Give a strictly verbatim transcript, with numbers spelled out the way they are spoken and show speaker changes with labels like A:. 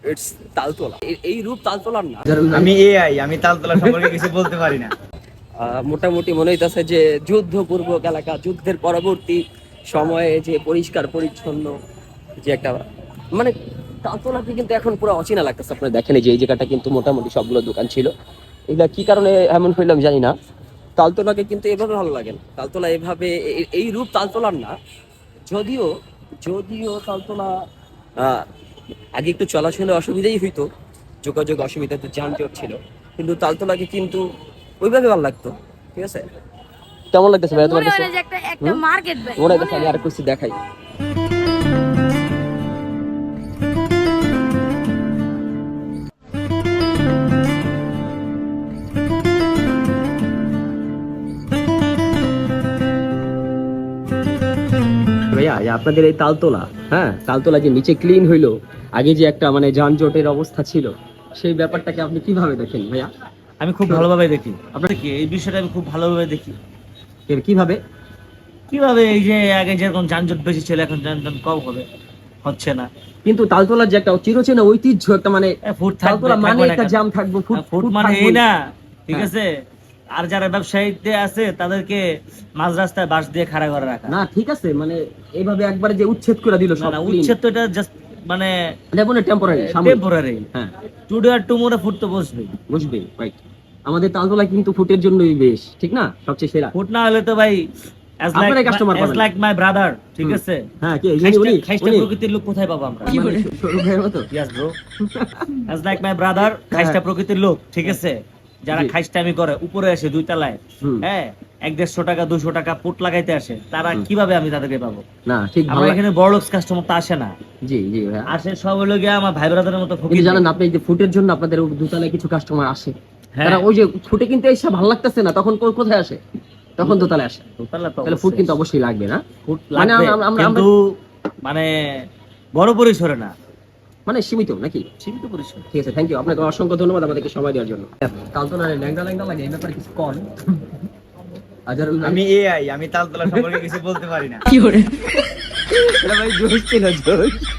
A: It's Taltala. এই রূপ তালতলার না।
B: আমি এআই, আমি তালতলা সম্পর্কে কিছু বলতে পারি না।
A: মোটামুটি মনে হইতেছে যে যুদ্ধ পূর্ব এলাকা, যুদ্ধের পরবর্তী সময়ে যে পরিষ্কার পরিচ্ছন্ন যে একটা মানে তালতলাকে কিন্তু এখন পুরো অচেনা লাগতেছে। আপনারা দেখেন যে এই জায়গাটা কিন্তু মোটামুটি সবগুলো দোকান ছিল, এগুলা কি কারণে এমন হইলাম জানি না। তালতলাকে কিন্তু এভাবে ভালো লাগে না, তালতলা এভাবে এই রূপ তালতলার না। যদিও যদিও তালতলা আহ আগে একটু চলাচলে অসুবিধাই হইতো, যোগাযোগ অসুবিধা, তো যানজট ছিল, কিন্তু তালতলাকে কিন্তু ওইভাবে ভালো লাগতো। ঠিক আছে, কেমন লাগতেছে ভাই তোমার কাছে?
C: একটা একটা মার্কেট ভাই
A: মনে হচ্ছে আমি আর কিছু দেখাই। ভাইয়া আপনাদের এই তালতলা, হ্যাঁ তালতলা যে নিচে ক্লিন হইলো, আগে যে একটা মানে যানজটের অবস্থা ছিল, সেই ব্যাপারটাকে আপনি কিভাবে দেখেন ভাইয়া?
B: আমি খুব ভালোভাবে দেখি। আপনার কি এই বিষয়টা আমি খুব ভালোভাবে দেখি।
A: কিভাবে
B: কিভাবে এই যে আগে যেরকম যানজট বেশি ছিল, এখন যানজট কম হবে, হচ্ছে না।
A: কিন্তু তালতলার যে একটা চিরচেনা ঐতিহ্য একটা মানে
B: ফুট
A: তালতলা মানে একটা জাম থাকবে, ফুট
B: ফুট মানে এই না, ঠিক আছে। আর যারা ব্যবসায়ীতে আছে তাদেরকে মাঝ রাস্তায় বাঁশ দিয়ে খাড়া করে রাখা
A: না, ঠিক আছে, মানে এইভাবে একবারে যে উচ্ছেদ করে দিল সব,
B: না, উচ্ছেদ তো এটা জাস্ট মানে
A: মানে টেম্পোরারি
B: টেম্পোরারি। হ্যাঁ, টুডে আর টুমোরে ফুট তো বসবেই
A: বসবেই, রাইট। আমাদের তালতলা কিন্তু ফুটের জন্যই বেশ, ঠিক না, সবচেয়ে সেরা।
B: ফুট না হলে তো ভাই as like
A: customer
B: as like my brother, ঠিক আছে।
A: হ্যাঁ, কি
B: উনি খাইস্টা প্রকৃতির লোক কোথায় পাবো আমরা?
A: কি বলে সরু ভাইয়ের মতো?
B: yes bro, as like my brother, খাইস্টা প্রকৃতির লোক, ঠিক আছে। যারা খাইস্টামি করে উপরে আসে দুই তলায়, হ্যাঁ, এক দেড়শো টাকা দুশো টাকা ফুট লাগাইতে আসে, তারা কিভাবে আমি তাদেরকে পাবো?
A: না, ঠিক,
B: আমরা এখানে বড় লোক কাস্টমার তো আসে না।
A: জি জি,
B: আসে সব হলো গিয়ে আমার ভাই ব্রাদারের মতো ফকির।
A: কিন্তু জানেন আপনি যে ফুটের জন্য আপনাদের দুতলায় কিছু কাস্টমার আসে, তারা ওই যে ফুটে কিনতে এসে ভালো লাগতেছে না, তখন কোথায় আসে? তখন দোতলায় আসে। তাহলে ফুট কিন্তু অবশ্যই লাগবে না,
B: ফুট লাগবে, কিন্তু মানে বড় পরিসরে না,
A: মানে সীমিত নাকি?
B: সীমিত পরিসরে।
A: ঠিক আছে, থ্যাংক ইউ, আপনাকে অসংখ্য ধন্যবাদ আমাদেরকে সময় দেওয়ার জন্য। তালতলা ল্যাংড়া ল্যাংড়া লাগে, এই ব্যাপারে কিছু কন।
B: আমি এআই, আমি তালতলা সম্পর্কে কিছু বলতে পারি না।
A: কি করে? ভাই জোশ ছিল, জোশ।